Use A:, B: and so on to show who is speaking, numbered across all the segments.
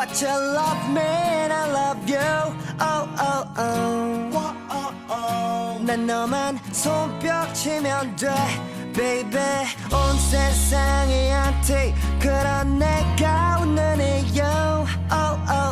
A: but you love me and I love you. Oh oh oh. 난 너만 손뼉치면 돼, baby. 온 세상이 한테 그런 내가 웃는 이유. Oh oh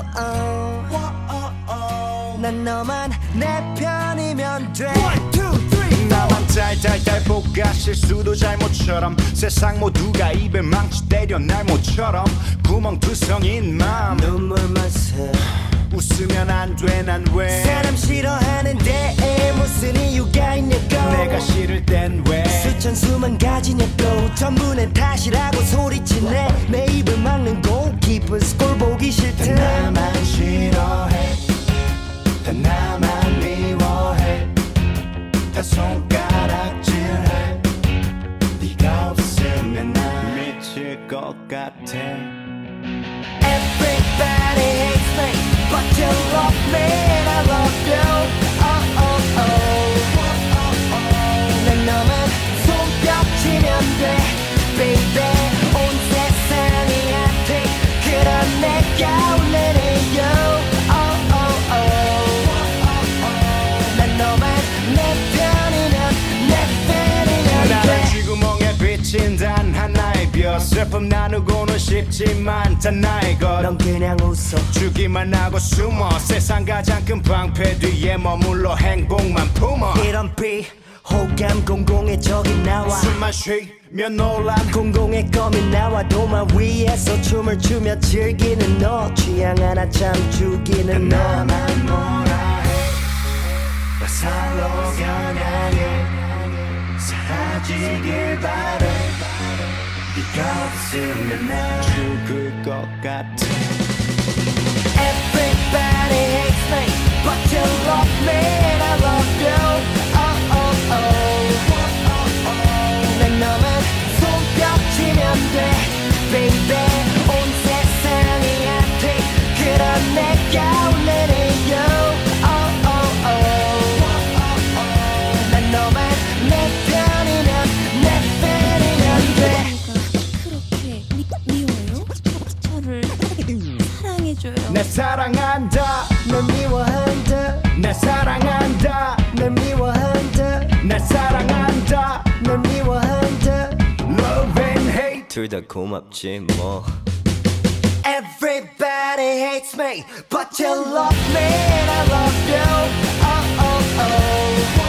A: oh. 난 너만 내 편이면 돼. One, two, three,
B: 나만 달달달 볶아 실수도 잘못처럼 세상 모두가 입에 망치 때려 날 모처럼 구멍투성인 맘
A: 눈물만 새.
B: 웃으면 안 돼 난 왜
A: 사람 싫어하는데 무슨 이유가 있냐고.
B: 내가 싫을 땐 왜
A: 수천 수만 가지냐고. 전부 내 탓이라고 소리치네. 내 입을 막는 골키퍼스 꼴 보기 싫대.
B: 나만 싫어해 다 나만 미워해 다 손가락질해 네가 없으면 난 미칠 것 같아
A: Everybody hates me, but you love me and I love you. Oh oh oh. 난 너만 손뼉치면 돼, baby. 온 세상이 한테 그런 내가 웃는 이유. Oh oh oh. 난 너만 내 편이면
B: 나는 쥐구멍에 비친 단 하나의 별 슬픔 나누고는 싶지만 단 나의 것
A: 넌 그냥 웃어.
B: 주기만 하고 숨어 세상 가장 큰 방패 뒤에 머물러 행복만 품어
A: 이런 비호감 공공의 적이 나와.
B: 숨만 쉬면 논란
A: 공공의 껌이 나와. 도마 위에서 춤을 추며 즐기는 너. 취향 하나 참 죽이는 너.
B: 나만 뭐라 해 살로 겨냥해 사라지길 바래 네가 없으면 난 죽을 것 같아
A: Everybody hates me, but you love me and I love you. Oh oh oh. 난 너만 손뼉치면 돼, baby. 온 세상이 한테 그런 내가 웃는 이유. Oh oh oh. 난 너만 내 편이면 돼.
C: 그렇게 미워요? 저를 사랑해줘요.
B: 내 사랑한다
A: 널 미워한다.
B: 내 사랑한다
A: 널 미워한다.
B: 내 사랑한다
A: 널 미워한다.
B: Love and hate
A: 둘 다 고맙지 뭐. Everybody hates me, but you love me and I love you. Oh oh oh.